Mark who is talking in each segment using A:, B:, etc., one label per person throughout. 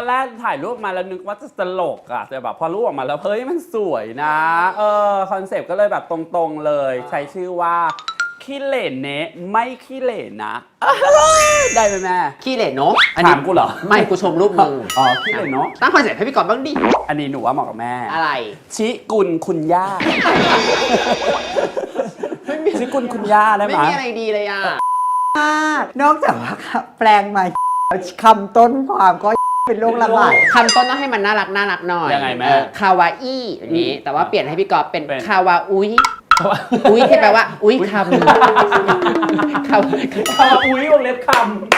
A: แรกถ่ายรูปมาแล้วนึกว่าจะตลกอะแต่แบบพอรูปออกมาแล้วเฮ้ยมันสวยนะคอนเซปต์ก็เลยแบบตรงๆเลยใช้ชื่อว่าขี้เหร่เนะไม่ขี้เหร่นะได้ไหมแม่
B: ขี้เหร่เนาะ
A: ถามกูเหรอ
B: ไม่กูชมรูปมึง
A: อ๋อขี้เหร่เนาะ
B: ตั้งคอนเซ็ปต์ให้พี่ก่อนบ้างดิ
A: อันนี้หนูว่าเหมาะกับแม่
B: อะไร
A: ชิกุลคุณย่าชิกุลคุณย่าได้ไหม
B: ไม่มีอะไรดีเลยอ่ะ
C: นอกจากว่าแปลงมาคำต้นความก็เป็นโรคระบาด
B: คำต้นต้องให้มันน่ารักหน่อย
A: ยังไงแม่
B: คาวาอี้อย่างนี้แต่ว่าเปลี่ยนให้พี่กอล์ฟเป็นคาวาอุ้ยอุ้ยที่แปลว่าอุ้ยคำคาวา
A: อุ้ยวงเล็บค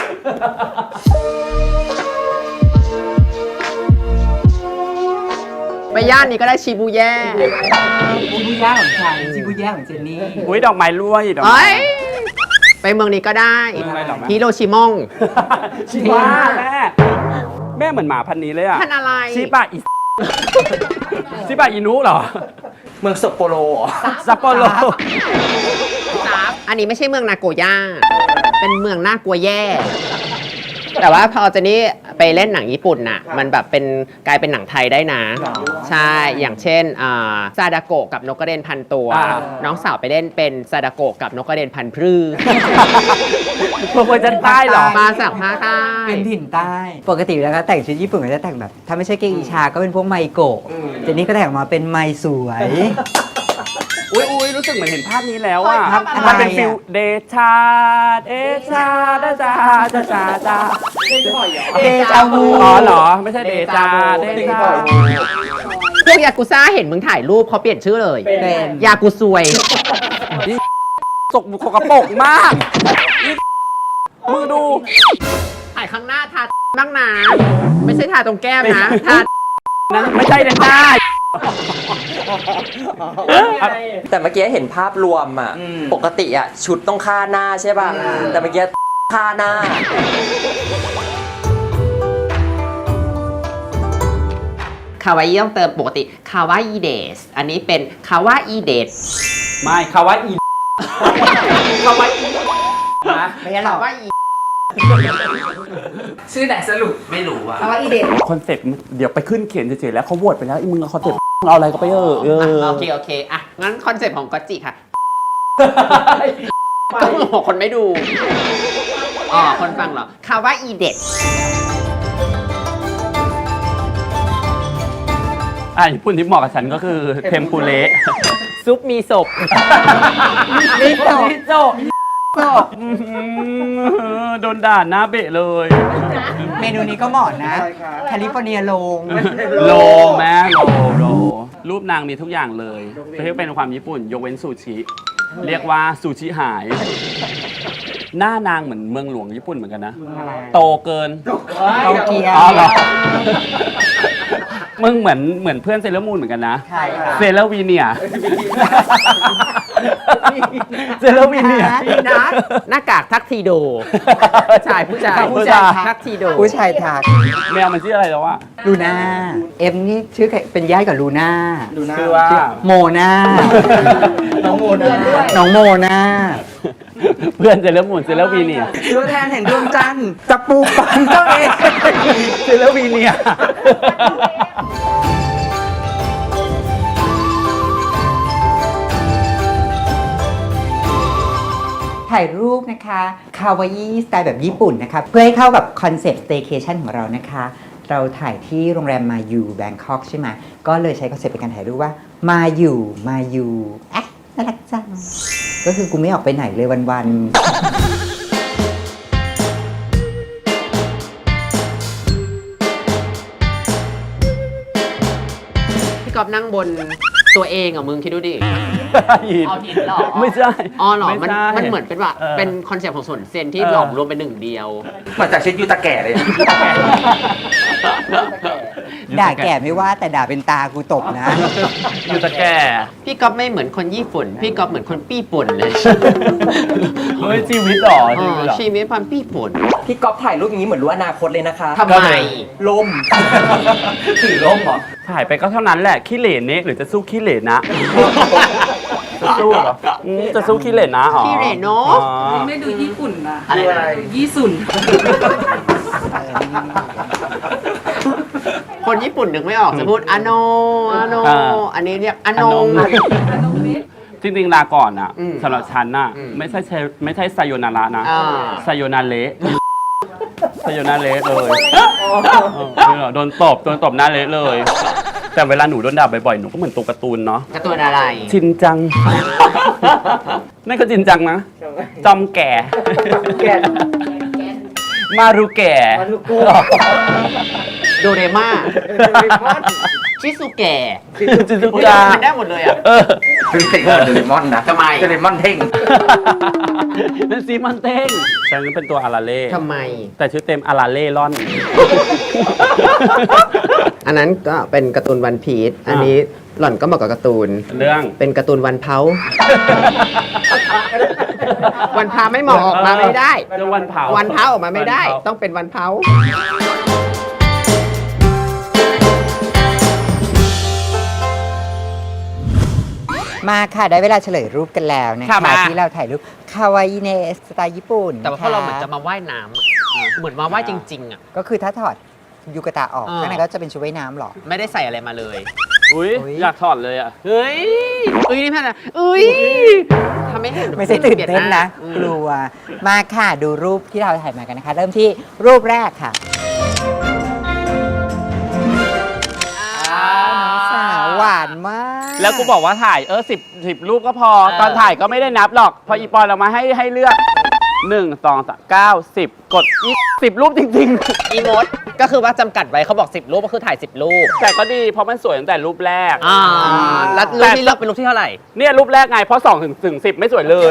B: ไปย่านนี้ก็ได้ชิบูแย่
C: ชิบูย่าของใครชิบูย่าของเจนนี่
A: อุ้ยดอกไม้ร่วยดอกไม้
B: ไปเมืองนี้ก็ได้ฮิโรชิมอง
A: ชิบะแม่เหมือนหมาพันนี้เลยอะ
B: พันอะไร
A: ชิบะอิชิบะอินุเหรอ
C: เมืองซัปโปโร
A: ซัปโปโร
B: อันนี้ไม่ใช่เมืองนาโกย่าเป็นเมืองน่ากลัวแย่แต่ว่าพอเจนี่ไปเล่นหนังญี่ปุ่นน่ะมันแบบเป็นกลายเป็นหนังไทยได้นะใช่อย่างเช่นซาดาโกะกับนกกระเด็นพันตัวน้องสาวไปเล่นเป็นซาดาโกะกับนกกระเด็นพันพรื้
A: พวกคนจะใต้หรอ
B: มาจากภาคใต้
C: เป็นถิ่นใต้ปกติแล้วก็แต่งชุดญี่ปุ่นก็จะแต่งแบบถ้าไม่ใช่เกอิชาก็เป็นพวกไมโกะเจนนี่ก็แต่งมาเป็นไมสวย
A: อุ้ยรู้สึกเหมือนเห็นภาพนี้แล้วอ่ะมันเป็นฟิลเดชาดาจา
C: เดจาวู
A: อ๋อเหรอไม่ใช่เดจา
B: พวกยากุซ่าเห็นมึงถ่ายรูปเขาเปลี่ยนชื่อเลย
C: เป็น
B: ยากุซวย
A: สกกระปกมากมือดู
B: ถ่ายข้างหน้าทาบ้างนะไม่ใช่ทาตรงแก้มนะทา
A: นั้นไม่ใช่นะจ้า
D: แต่เมื่อกี้เห็นภาพรวมอ่ะปกติอ่ะชุดต้องฆ่าหน้าใช่ป่ะแต่เมื่อกี้ฆ่าหน้า
B: คาวาอี้ต้องเติมปกติคาวาอีเดสอันนี้เป็นคาวาอีเดส
A: ไม่คาวาอีคาวาอี
C: นะไม่ใช่หรอก
B: ชื่อไหนสรุปไม่รู้อะ
C: คาวาอีเดส
A: คอนเซ็ปต์เดี๋ยวไปขึ้นเขียนเฉยๆแล้วเขาโหวตไปแล้วมึงคอนเซ็ปต์เอาอะไรก็ไป
B: โอเคอ่ะงั้นคอนเซ็ปต์ของก๊อตจิค่ะก็คนไม่ดูคนฟังเหรอคาวาอีเดส
A: ญี่ปุ่นที่เหมาะกับฉันก็คือเทมปุเระ
B: ซุปมีศพ
A: มีศพโดนด่าหน้าเบะเลย
C: เมนูนี้ก็เหมาะนะแคลิฟอร์เนียโล
A: แม่โลรูปนางมีทุกอย่างเลยที่เป็นความญี่ปุ่นยกเว้นซูชิเรียกว่าซูชิหายหน้านางเหมือนเมืองหลวงญี่ปุ่นเหมือนกันนะโตเกิน
C: โตเกียว
A: เหรอมึงเหมือนเพื่อนเซเลอร์มูนเหมือนกันนะเซเลอร์วีเนียเซเลอร์วีเนีย
B: หน้ากากทักทีโดผู้ชายทักทีโด
C: ผู้ชายทัก
A: แมวมันชื่ออะไรแล้ววะ
C: ลูน่าเอ็มนี่ชื่อเป็นญาติกับลูน่า
A: ชื่อว่า
C: โมนาน้องโมนา
A: เพื่อนเซเลอร์มูนเซเลอร์วีเนีย
C: ตัวแทนแห่งดวงจันทร์จะปูปังตัวเอง
A: เซเลอร์วีเนีย
C: ถ่ายรูปนะคะคาวาอี้สไตล์แบบญี่ปุ่นนะคะเพื่อให้เข้ากับคอนเซ็ปต์ staycation ของเรานะคะเราถ่ายที่โรงแรมมายูแบงคอกใช่ไหมก็เลยใช้คอนเซ็ปต์ในการถ่ายรูปว่ามายูน่ารักจังก็คือกูไม่ออกไปไหนเลยวัน
B: ๆพี่กอล์ฟนั่งบนตัวเองอ่ะมึงคิดดูดิเอาหินหรอ
A: ไม่ใช่
B: หรอมันเหมือนเป็นว่าเป็นคอนเซ็ปต์ของส่วนเซนที่หลอมรวมเป็นหนึ่งเดียว
D: มาจากเช็ดยูตาแก่เลย
C: ด่าแก่ไม่ว่าแต่ด่าเป็นตากูตบนะ
A: ยูตาแก่
B: พี่ก๊อฟไม่เหมือนคนญี่ปุ่นพี่ก๊อฟเหมือนคนปี้ป่นเลย
A: เฮ้ยชีวิตหรอ
B: ชีวิตความปี้ป่น
D: พี่ก๊อฟถ่ายรูปอย่างนี้เหมือนรู้อนาคตเลยนะคะ
B: ทำไม
D: ล่ม
A: ถือล่มเหรอถ่ายไปก็เท่านั้นแหละขี้เหร่เนะหรือจะสู้ขี้เหร่นะจะสู้เหรอจะสู้ขี้เหร่นะ
B: ขี้เหร่เนาะ
E: ไม่ดูญี่ปุ่นนะอะไรญี่ปุ่น
B: คนญี่ปุ่นนึกไม่ออกจะพูดอาโนอาโน อันนี้เรียกอานง
A: จริงๆลาก่อนอ่ะ
B: อืม
A: สำหรับฉันน่ะ
B: อืม
A: ไม่ใช่ไซโยนาระนะ
B: อ่า
A: ไซโยนาเละไซโยนาเละเลยโดนตบหน้าเละเลย แต่เวลาหนูโดนด่าบ่อยๆ หนูก็เหมือนตัวการ์ตูนเนาะ
B: การ์ตูนอะไร
A: ชินจัง นั่นก็ชินจังนะ จอมแก่ มารุแก่
B: โดเรม่าชิซุเกะ
A: จิซุ
B: อุ๊ย
A: กะ
B: มันได้หมดเลยอ่ะ
A: เออ
C: เป็นเดเรมอนนะ
B: ทำไม
C: เดเรมอนเท่ง
A: นั่นซีมันเต้งฉันเป็นตัวอาราเล่
B: ทำไม
A: แต่ชื่อเต็มอาราเล่ร่อน
B: อันนั้นก็เป็นการ์ตูนวันพีชอันนี้หล่อนก็เหมาะกับการ์ตูน
A: เรื่อง
B: เป็นการ์ตูนวันเผา วันพาไม่เหมาะออกมาไม่ได้
A: เรื่องวันเผา
B: วันเผาออกมาไม่ได้ ต้องเป็นวันเผา
C: มาค่ะได้เวลาเฉลยรูปกันแล้วนะ
B: ค่ะ
C: คะ
B: มา
C: ที่เราถ่ายรูปคาวาอิเนสไตล์ญี่ปุ่น
B: แต่ว่าพวกเราเหมือนจะมาว่ายน้ำอะเหมือนมาว่ายจริงๆอ่ะ
C: ก็คือถ้าถอดยูกะตะออก
B: อ่า
C: ข้างในก็จะเป็นชุดว่ายน้ำหรอ
B: ไม่ได้ใส่อะไรมาเลย
A: อุ้ย
C: อุ๊ย
A: อยากถอดเลยอ่ะ
B: เฮ้ยนี่แม่นะทำไม่เห็น
C: ไม่ใช่ตื่นเต้นนะ
B: อืม
C: กลัว มาค่ะดูรูปที่เราถ่ายมากันนะคะ เริ่มที่รูปแรกค่ะสาวหวานมาก
A: แล้วกูบอกว่าถ่าย10รูปก็พอ ตอนถ่ายก็ไม่ได้นับหรอก พออีปอนเรามาให้เลือก 1 2 3 9 10 กดอีก10 รูปจริง
B: อีโมดก็คือว่าจำกัดไว้เขาบอก 10 รูปก็คือถ่าย 10 รูป
A: ๆ แต่ก็ดีเพราะมันสวยตั้งแต่รูปแรก
B: แล้วรูปที่เลือกเป็นรูปที่เท่าไหร่
A: เนี่ยรูปแรกไง เพราะ2ถึง10 ไม่สวยเลย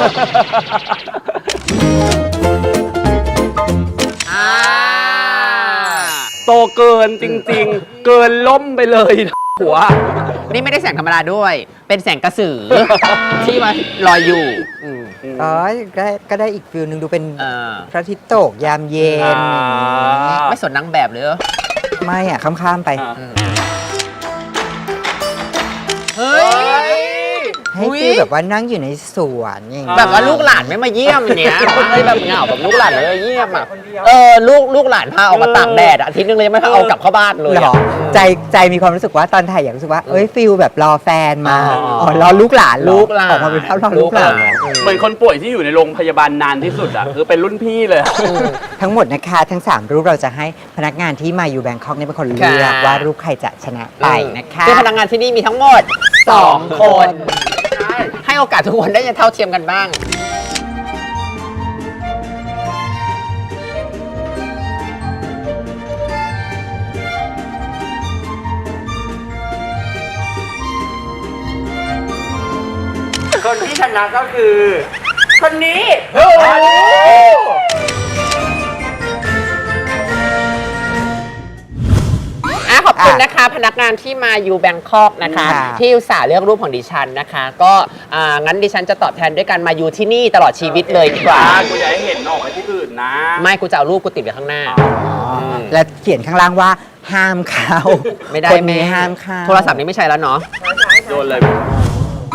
A: โตเกินจริงๆ เกินล้มไปเลยหัว
B: นี่ไม่ได้แสงธรรมดาด้วย เป็นแสงกระสือ ที่มาลอยอยู่
C: อ๋อก็ได้อีกฟิลหนึ่งดูเป็น
B: เออ
C: พระอาทิตย์ตกยามเย็นอย่างนี้
B: ไม่สนนางแบบเลยเหรอ
C: ไม่อ่ะข้ามๆไป
B: เฮ้ย
C: ให้ฟีลแบบว่านั่งอยู่ในสวนอย่างนี้
B: แบบว่าลูกหลานไม่มาเยี่ยมอย่างเนี้ยแบบเหงาแบบลูกหลานไม่มาเยี่ยมอ่ะลูกหลานพาออกมาตากแดดอะอาทิตย์นึงเลยยังไม่พาเอากลับเข้าบ้านเลย
C: หรอ
B: อะ
C: ใจมีความรู้สึกว่าตอนถ่ายอยากรู้สึกว่าเอ้ยฟิลแบบรอแฟนมา
B: อ๋อ
C: รอลูกหลานเหรอ
B: ลูกหลาน
C: ออกมาเป็นภาพรอลูกหลาน
A: เหมือนคนป่วยที่อยู่ในโรงพยาบาลนานที่สุดอ่ะ คือเป็นรุ่นพี่เลย
C: ทั้งหมดนะคะทั้ง 3 รูปเราจะให้พนักงานที่มาอยู่แบงคอกเนี่ยเป็นคนเลือกว่ารูปใครจะชนะไปนะคะ
B: คือพนักงานที่นี่มีทั้งหมด 2 คน ให้โอกาสทุกคนได้จะเท่าเทียมกันบ้าง
D: คนที่ชนะก็คือ คนนี้
B: ขอบคุณนะคะ พนักงานที่มาอยู่แบงคอกนะคะ
C: ค่ะ
B: ที่อุตส่าห์เลือกรูปของดิฉันนะคะ ก็งั้นดิฉันจะตอบแทนด้วยการมาอยู่ที่นี่ตลอดชีวิตเลยดีกว่า
A: กูอยากให้เห็นออกไปที่อื่นนะ
B: ไม่กูจะเอารูปกูติดไว้ข้างหน้า
C: และเขียนข้างล่างว่าห้ามเข้า
B: ไม่ได้
C: คนนี้
B: แม่
C: ห้ามเข้า
B: โทรศัพท์นี้ไม่ใช่แล้วเนาะ
A: โดนเลย